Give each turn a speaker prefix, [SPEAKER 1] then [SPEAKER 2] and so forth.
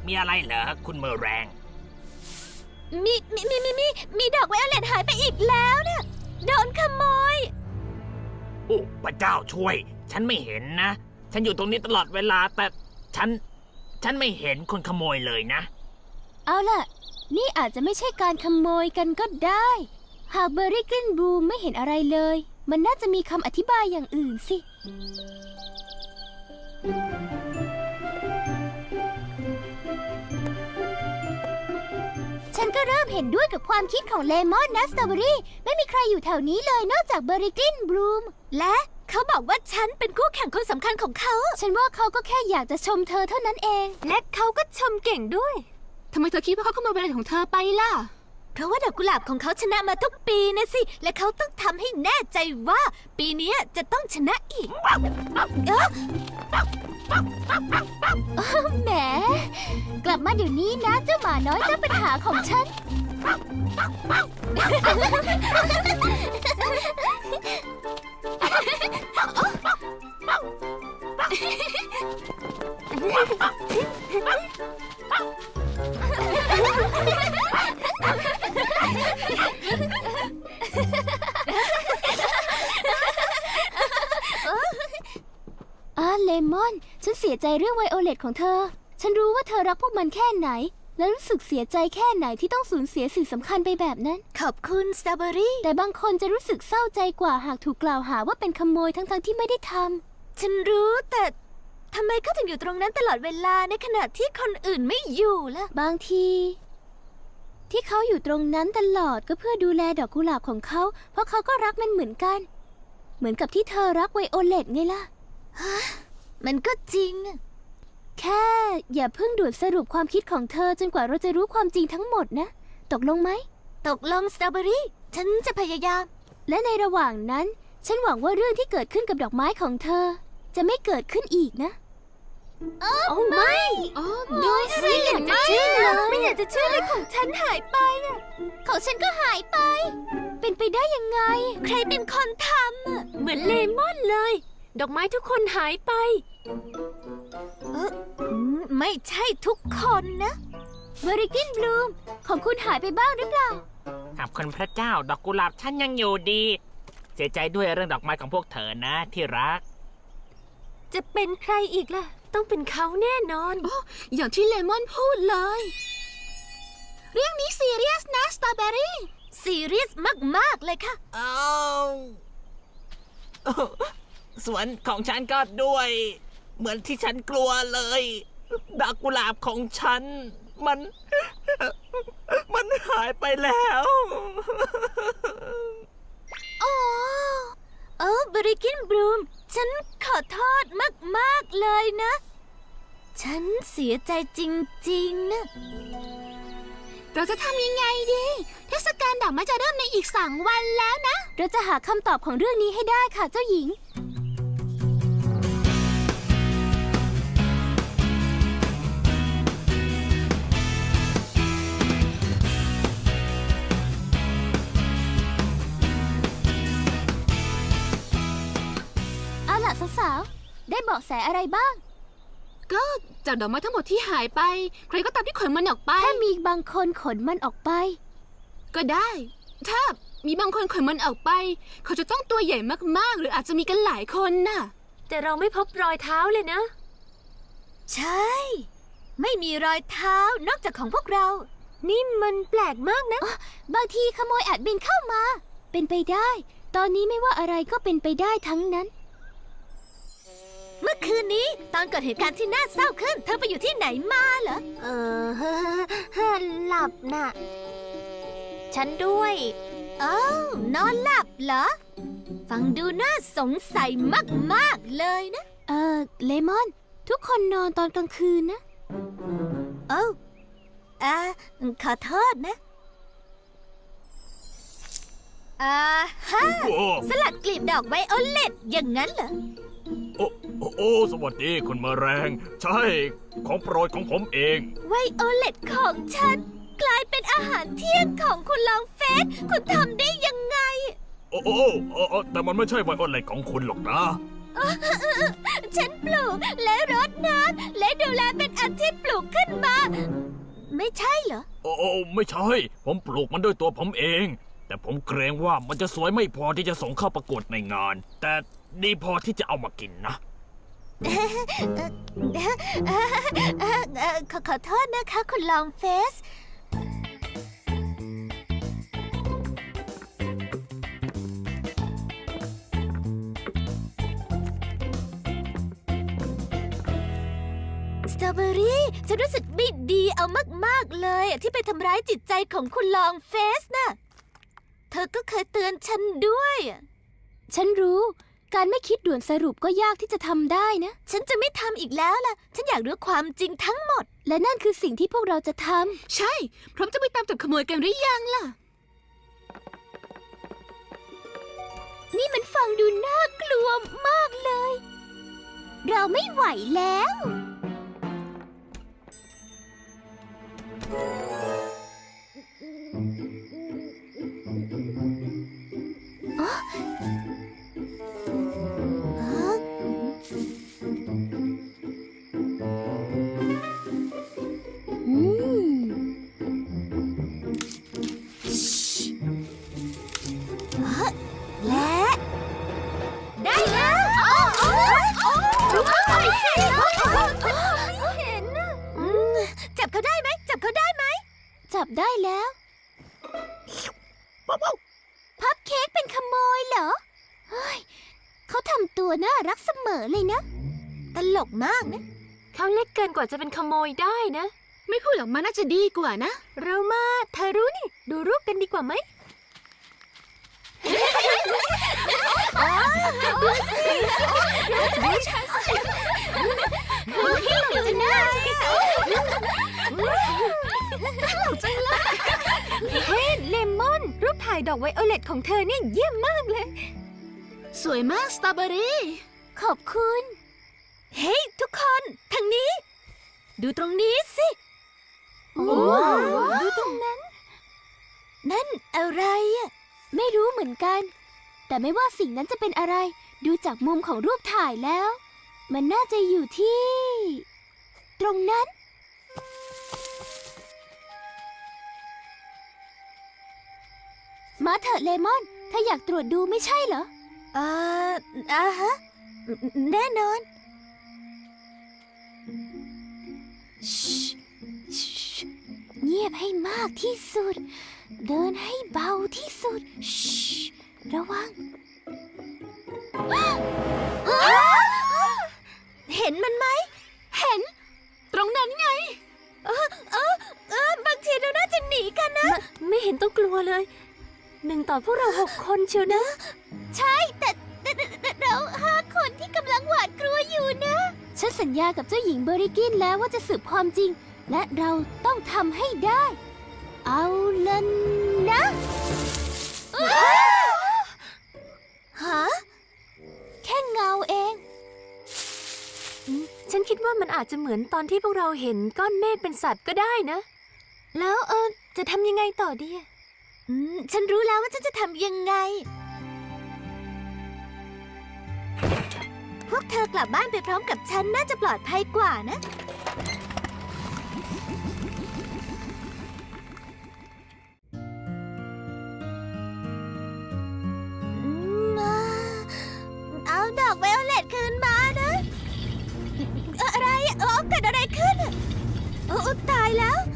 [SPEAKER 1] มีอะไรเหรอคุณเมอแรง
[SPEAKER 2] มีดอกไวโอเลตหายไปอีกแล้วเนี่ยโดนขโมย
[SPEAKER 1] โอ้พระเจ้าช่วยฉันไม่เห็นนะฉันอยู่ตรงนี้ตลอดเวลาแต่ฉันไม่เห็นคนขโมยเลยนะ
[SPEAKER 3] เอาล่ะนี่อาจจะไม่ใช่การขโมยกันก็ได้หากเบอร์รี่กลินบลูมไม่เห็นอะไรเลยมันน่าจะมีคำอธิบายอย่างอื่นสิฉันก็เริ่มเห็นด้วยกับความคิดของเลมอนนะสตรอเบอรี่ไม่มีใครอยู่แถวนี้เลยนอกจากเบอร์รี่กลินบลูม
[SPEAKER 2] และเขาบอกว่าฉันเป็นคู่แข่งคนสำคัญของเขา
[SPEAKER 3] ฉันว่าเขาก็แค่อยากจะชมเธอเท่านั้นเอง
[SPEAKER 2] และเขาก็ชมเก่งด้วย
[SPEAKER 3] ทำไมเธอคิดว่าเขาขโมยอะไรของเธอไปล่ะ
[SPEAKER 2] เพราะว่าดอกกุหลาบของเขาชนะมาทุกปีนะสิและเขาต้องทำให้แน่ใจว่าปีนี้จะต้องชนะอีก
[SPEAKER 3] แหมกลับมาเดี๋ยวนี้นะเจ้าหมาน้อยเจ้าปัญหาของฉันเลมอนฉันเสียใจเรื่องไวโอเลตของเธอฉันรู้ว่าเธอรักพวกมันแค่ไหนและรู้สึกเสียใจแค่ไหนที่ต้องสูญเสียสิ่งสำคัญไปแบบนั้น
[SPEAKER 2] ขอบคุณสตรอเบอรี่
[SPEAKER 3] แต่บางคนจะรู้สึกเศร้าใจกว่าหากถูกกล่าวหาว่าเป็นขโมยทั้งที่ไม่ได้ท
[SPEAKER 2] ำฉันรู้แต่ทำไมเขาถึงอยู่ตรงนั้นตลอดเวลาในขณะที่คนอื่นไม่อยู่ล่ะ
[SPEAKER 3] บางทีที่เขาอยู่ตรงนั้นตลอดก็เพื่อดูแลดอกกุหลาบของเขาเพราะเขาก็รักมันเหมือนกันเหมือนกับที่เธอรักไวโอเลตไงล่ะ
[SPEAKER 2] มันก็จริง
[SPEAKER 3] แค่อย่าเพิ่งด่วนสรุปความคิดของเธอจนกว่าเราจะรู้ความจริงทั้งหมดนะตกลงไหม
[SPEAKER 2] ตกลงสตรอเบอรี่ฉันจะพยายาม
[SPEAKER 3] และในระหว่างนั้นฉันหวังว่าเรื่องที่เกิดขึ้นกับดอกไม้ของเธอจะไม่เกิดขึ้นอีกนะ
[SPEAKER 2] โอ้ไม่ดูสิอยากจะเชื่อไม่อยากจะเชื่อเลยของฉันหายไป
[SPEAKER 3] ของฉันก็หายไปเป็นไปได้ยังไง
[SPEAKER 2] ใครเป็นคนทำเหมือนเลมอนเลยดอกไม้ทุกคนหายไปไม่ใช่ทุกคนนะ
[SPEAKER 3] เบอร์รี่กลินบลูมของคุณหายไปบ้างหรือเปล่า
[SPEAKER 1] ขอบคุณพระเจ้าดอกกุหลาบฉันยังอยู่ดีเสียใจด้วยเรื่องดอกไม้ของพวกเธอนะที่รัก
[SPEAKER 2] จะเป็นใครอีกล่ะต้องเป็นเขาแน่นอน
[SPEAKER 3] อย่างที่เลมอนพูดเลยเรื่องนี้ซีเรียสนะสตรอเบอรี่
[SPEAKER 2] ซีเรียสมากๆเลยค่ะ
[SPEAKER 1] สวนของฉันก็ด้วยเหมือนที่ฉันกลัวเลยดอกกุหลาบของฉันมันหายไปแล้ว
[SPEAKER 2] เบอร์รี่กลินบลูมฉันขอโทษมากๆเลยนะฉันเสียใจจริงๆนะ
[SPEAKER 3] เราจะทำยังไงดีเทศกาลดอกไม้จะเริ่มในอีก2 วันแล้วนะเราจะหาคำตอบของเรื่องนี้ให้ได้ค่ะเจ้าหญิงสาวๆได้เบาะแสอะไรบ้างก็จากดอกไม้ทั้งหมดที่หายไปใครก็ตามที่ขนมันออกไปถ้ามีบางคนขนมันออกไปก็ได้ถ้ามีบางคนขนมันออกไปเขาจะต้องตัวใหญ่มากๆหรืออาจจะมีกันหลายคนน่ะ
[SPEAKER 2] แต่เราไม่พบรอยเท้าเลยนะใช่ไม่มีรอยเท้านอกจากของพวกเรานี่มันแปลกมากนะ
[SPEAKER 3] บางทีขโมยอาจบินเข้ามาเป็นไปได้ตอนนี้ไม่ว่าอะไรก็เป็นไปได้ทั้งนั้น
[SPEAKER 2] เมื่อคืนนี้ตอนเกิดเหตุการณ์ที่น่าเศร้าขึ้นเธอไปอยู่ที่ไหนมาเหรอ
[SPEAKER 3] หลับน่ะ
[SPEAKER 2] ฉันด้วยนอนหลับเหรอฟังดูน่าสงสัยมากๆเลยนะ
[SPEAKER 3] เลมอนทุกคนนอนตอนกลางคืนนะ
[SPEAKER 2] ขอโทษนะสลัดกลีบดอกไวโอเลตอย่างนั้นเหรอ
[SPEAKER 4] โอ้สวัสดีคุณแมลงใช่ของโปรดของผมเอง
[SPEAKER 2] ไวโอเลตของฉันกลายเป็นอาหารเที่ยงของคุณลองเฟสคุณทำได้ยังไง
[SPEAKER 4] แต่มันไม่ใช่ไวโอเลตของคุณหรอกนะ
[SPEAKER 2] ฉันปลูกและรดน้ำและดูแลเป็นอาทิตย์ปลูกขึ้นมา
[SPEAKER 4] ไม่ใช่ ผมปลูกมันด้วยตัวผมเอง แต่ผมเกรงว่ามันจะสวยไม่พอที่จะส่งเข้าประกวดในงาน แต่ดีพอที่จะเอามากินนะ
[SPEAKER 2] ขอโทษนะคะคุณลองเฟส สตรอเบอรี่ฉันรู้สึกไม่ดีเอามากๆเลยที่ไปทำร้ายจิตใจของคุณลองเฟสน่ะ เธอก็เคยเตือนฉันด้วย
[SPEAKER 3] ฉันรู้ การไม่คิดด่วนสรุปก็ยากที่จะทำได้นะ
[SPEAKER 2] ฉันจะไม่ทำอีกแล้วล่ะ ฉันอยากรู้ความจริงทั้งหมด
[SPEAKER 3] และนั่นคือสิ่งที่พวกเราจะทำ ใช่ พร้อมจะไปตามจับขโมยกันหรือยังล่ะ นี่มันฟังดูน่ากลัวมากเลย เราไม่ไหวแล้ว
[SPEAKER 2] และได้แล้วดูเขาหน่อยสิไม่เห็นนะจับเขาได้ไหมจับเขาได้ไหม
[SPEAKER 3] จับได้แล้วพับเค้กเป็นขโมยเหรอ เฮ้ย เขาทำตัวน่ารักเสมอเลยนะ
[SPEAKER 2] ตลกมากนะ
[SPEAKER 5] เขาเล็กเกินกว่าจะเป็นขโมยได้นะ
[SPEAKER 3] ไม่พูดหรอกมันน่าจะดีกว่านะ
[SPEAKER 5] เรามาเธอรู้นี่ ดูรูปกันดีกว่าไหม
[SPEAKER 2] ดูหน้าสิ
[SPEAKER 5] เฮ้ยเลมอน รูปถ่ายดอกไวโอเลตของเธอเนี่ยเยี่ยมมากเลย
[SPEAKER 3] สวยมากสตรอเบอรี่ ขอบคุณ
[SPEAKER 2] เฮ้ยทุกคนทางนี้ ดูตรงนี้สิ
[SPEAKER 3] ดูตรงนั้น
[SPEAKER 2] นั่นอะไรอะ
[SPEAKER 3] ไม่รู้เหมือนกัน แต่ไม่ว่าสิ่งนั้นจะเป็นอะไร ดูจากมุมของรูปถ่ายแล้ว มันน่าจะอยู่ที่ ตรงนั้น มาเถอะเลมอน ถ้าอยากตรวจดูไม่ใช่เหรอ
[SPEAKER 2] ฮะ แน่นอน
[SPEAKER 3] เงียบให้มากที่สุด เดินให้เบาที่สุด ระวัง
[SPEAKER 2] เห็นมันไหม
[SPEAKER 3] เห็น ตรงนั้นไง
[SPEAKER 2] บางทีเราน่าจะหนีกันนะ
[SPEAKER 5] ไม่เห็นต้องกลัวเลย 1 ต่อพวกเรา 6 คนเชียวนะ
[SPEAKER 3] ใช่ แต่เรา5 คนที่กำลังหวาดกลัวอยู่นะ ฉันสัญญากับเจ้าหญิงเบอริกินแล้วว่าจะสืบความจริง และเราต้องทำให้ได้ เอาละนะ
[SPEAKER 2] ฮะ
[SPEAKER 3] แค่เงาเอง
[SPEAKER 5] ฉันคิดว่ามันอาจจะเหมือนตอนที่พวกเราเห็นก้อนเมฆเป็นสัตว์ก็ได้นะ แล้วจะทำยังไงต่อดีอะ
[SPEAKER 2] ฉันรู้แล้วว่าฉันจะทำยังไง พวกเธอกลับบ้านไปพร้อมกับฉันน่าจะปลอดภัยกว่านะ เอาดอกไวโอเลตคืนมานะ อะไรเกิดอะไรขึ้นโอ้ตายแล้ว